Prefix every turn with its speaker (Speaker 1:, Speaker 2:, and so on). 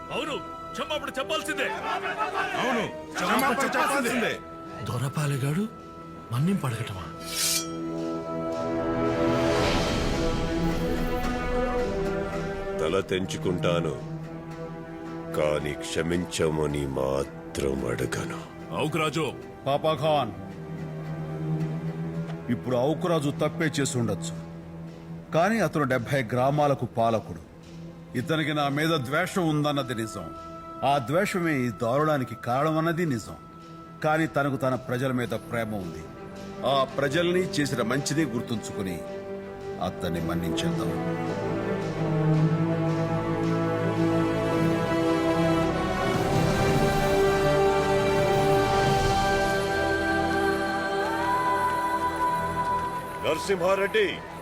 Speaker 1: అవును, క్షమాపణ చెప్పాల్సిందే.
Speaker 2: అవును, క్షమాపణ చెప్పాల్సిందే.
Speaker 3: దొరపాలిగాడు మన్నింపు అడగటమా?
Speaker 4: తల తెంచుకుంటాను, కానీ క్షమించమని మాత్రం అడగను.
Speaker 1: అవుకురాజు,
Speaker 2: పాపాఖాన్, ఇప్పుడు ఔకురాజు తప్పే చేసి ఉండొచ్చు, కానీ అతను 70 గ్రామాలకు పాలకుడు. ఇతనికి నా మీద ద్వేషం ఉందన్నది నిజం. ఆ ద్వేషమే ఈ దారుణానికి కారణమన్నది నిజం. కానీ తనకు తన ప్రజల మీద ప్రేమ ఉంది. ఆ ప్రజల్ని చేసిన మంచిదే గుర్తుంచుకుని అతన్ని మన్నించేద్దాం.
Speaker 4: నరసింహారెడ్డి,